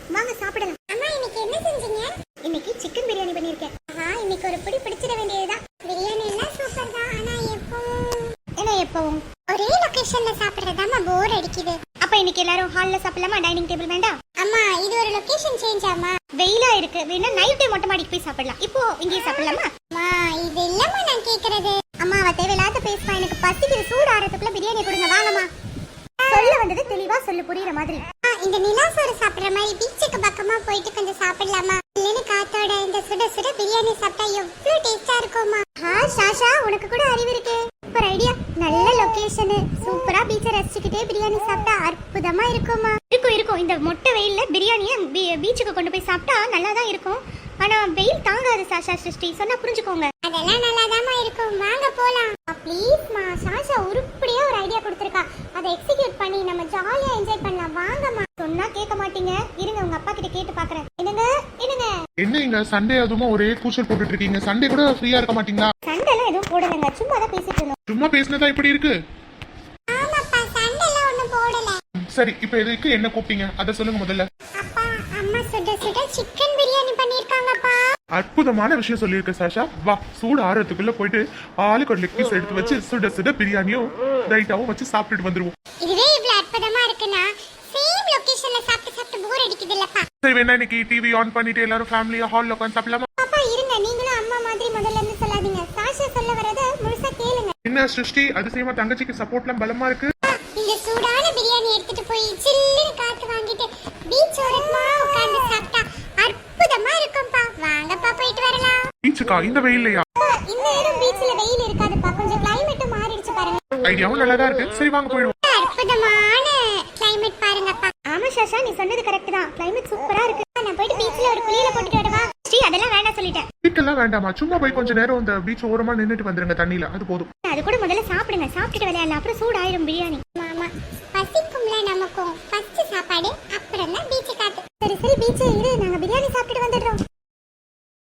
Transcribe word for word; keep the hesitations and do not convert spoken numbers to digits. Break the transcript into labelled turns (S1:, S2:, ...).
S1: வாங்க சாப்பிடலாம்.
S2: அம்மா இன்னைக்கு என்ன செஞ்சீங்க?
S1: இன்னைக்கு சிக்கன் பிரியாணி பண்ணிருக்கேன்.
S2: ஆஹா இன்னைக்கு ஒரு பிடி பிடிச்சிட வேண்டியதுதான். பிரியாணி எல்லாம் சூப்பர் தான். ஆனா எப்பவும்
S1: என்ன எப்பவும்
S2: ஒரே லொகேஷன்ல சாப்பிடுறதாமா போர் அடிக்குது.
S1: அப்ப இன்னைக்கு எல்லாரும் ஹால்ல சாப்பிடலாமா? டைனிங் டேபிள் வேண்டாம்?
S2: அம்மா இது ஒரு லொகேஷன் சேஞ்ச் ஆமா.
S1: வெயிலா இருக்கு, வேணா நைட் டைம் மொட்டை மாடிக்கு போய் சாப்பிடலாம். இப்போ இங்கே சாப்பிடலாமா?
S2: அம்மா இது இல்லம்மா நான் கேக்குறது.
S1: அம்மா அவ தேவையில்லாத பேசுவா. எனக்கு பசிக்குது, சூடு ஆறதுக்குள்ள பிரியாணி கொடுங்க. வாங்கம்மா. சொல்ல வந்தது தெளிவா சொல்லு, புரியுற மாதிரி.
S2: ஆ இந்த நிலாசோறு சாப்பிடுற மாதிரி பீச்சுக்கு பக்கமா போயிட்டு கொஞ்சம் சாப்பிடலாமா? இல்லைன்னு காத்தோட இந்த சுட சுட பிரியாணி சாப்பிட்டா எவ்வளவு டேஸ்டா இருக்குமா?
S1: ஆ ஷாஷா, உனக்கு கூட அறிவு இருக்கு. Super idea. நல்ல லொகேஷன், சூப்பரா பீச்சை ரசிச்சுக்கிட்டே பிரியாணி சாப்பிட்டா அற்புதமா இருக்குமா? இருக்கும் இருக்கும். இந்த மொட்டை வெயில்ல பிரியாணியை பீச்சுக்கு கொண்டு போய் சாப்பிட்டா நல்லா தான் இருக்கும். ஆனா வெயில் தாங்காது சாஷா சிருஷ்டி, சொன்னா புரிஞ்சுக்கோங்க.
S2: அதெல்லாம் நல்லாதாமா இருக்கும். வாங்க போலாம்.
S1: ப்ளீஸ்மா. ஷாஷா உருப்படியா ஒரு ஐடியா கொடுத்துருக்கா. அதை எக்ஸிக்யூட் பண்ணி நம்ம ஜாலியா என்ஜாய் பண்ணலாம். வாங்கம்மா. சொன்னா கேட்க மாட்டீங்க. இருங்க உங்க அப்பா கிட்ட கேட்டு பாக்குறேன். என்னங்க என்னங்க
S3: என்ன இங்க சண்டே அதுமா ஒரே கூச்சல் போட்டுட்டு இருக்கீங்க? சண்டே கூட ஃப்ரீயா இருக்க மாட்டீங்களா?
S1: சண்டை எல்லாம் எதுவும் போடலங்க, சும்மா தான் பேசிட்டு இருந்தோம்.
S3: சும்மா பேசினதா இப்படி இருக்கு?
S2: ஆமாப்பா சண்டெல்லாம் ஒண்ணும் போடல.
S3: சரி இப்ப எதுக்கு என்ன கூப்பிட்டீங்க அத சொல்லுங்க முதல்ல.
S2: அப்பா அம்மா சுட சுட சிக்கன் பிரியாணி பண்ணிருக்காங்கப்பா.
S3: அற்புதமான விஷயம் சொல்லியிருக்க சாஷா. வா, சூடு ஆறதுக்குள்ள போயிட்டு ஆளுக்கு ஒரு லெக் பீஸ் எடுத்து வச்சு சுட சுட பிரியாணியும் ரைட்டாவும் வச்சு சாப்பிட்டுட்டு வந்துருவோம்.
S2: இதுவே இவ்வளவு அற்புதமா இருக்குன்னா சேம் லொகேஷன்ல சாப்பிட்டு சாப்பிட்டு போர் அடிக்குது இல்லப்பா.
S3: சரி வேணா இன்னைக்கு டிவி ஆன் பண்ணிட்டு எல்லாரும் ஃபேமிலியா ஹால்ல உட்காந்து சாப்பிடலாமா?
S1: அப்பா இருங்க, நீங்களும் அம்மா மாதிரி முதல்ல இருந்து சொல்லாதீங்க. சாஷா சொல்ல வரத முழுசா கேளுங்க.
S3: என்ன சிருஷ்டி அதிசயமா தங்கச்சிக்கு சப்போர்ட்லாம் பலமா இருக்கு.
S2: இந்த சூடான பிரியாணி எடுத்துட்டு போய் சில்லுன்னு காத்து வாங்கிட்டு பீச் ஓரமா உட்கார்ந்து சாப்பிட்டா அற்புதமா இருக்கும்பா. வாங்கப்பா போயிட்டு வரலாம்.
S3: பீச்சுக்கா இந்த வெயில்லையா?
S1: இந்த நேரம் பீச்ல வெயில் இருக்காதுப்பா, கொஞ்சம் கிளைமேட்டும் மாறிடுச்சு பாருங்க.
S3: ஐடியாவும் நல்லாதான் இருக்கு. சரி வாங்க போயிடுவோம்.
S2: அற்புதமான கிளைமேட் பாருங்கப்பா.
S1: ஆமா ஷாஷா, நீ சொன்னது கரெக்ட் தான். கிளைமேட் சூப்பரா இருக்கு. நான் போயிட்டு பீச்ல ஒரு குளியல போட்டுட்டு வரவா? ஸ்ரீ அதெல்லாம் வேண்டாம் சொல்லிட்டேன்.
S3: வீட்டெல்லாம் வேண்டாமா, சும்மா போய் கொஞ்ச நேரம் இந்த பீச் ஓரமா நின்னுட்டு வந்துருங்க தண்ணியில, அது போதும்.
S1: அது கூட முதல்ல சாப்பிடுங்க, சாப்பிட்டுட்டு விளையாடலாம். அப்புறம் சூடாயிரும் பிரியாணி.
S2: மாமா பசிக்கும்ல நமக்கும். ஃபர்ஸ்ட் சாப்பாடு அப்புறம் தான் பீச் காத்து.
S1: சரி சரி பீச் இரு, நாங்க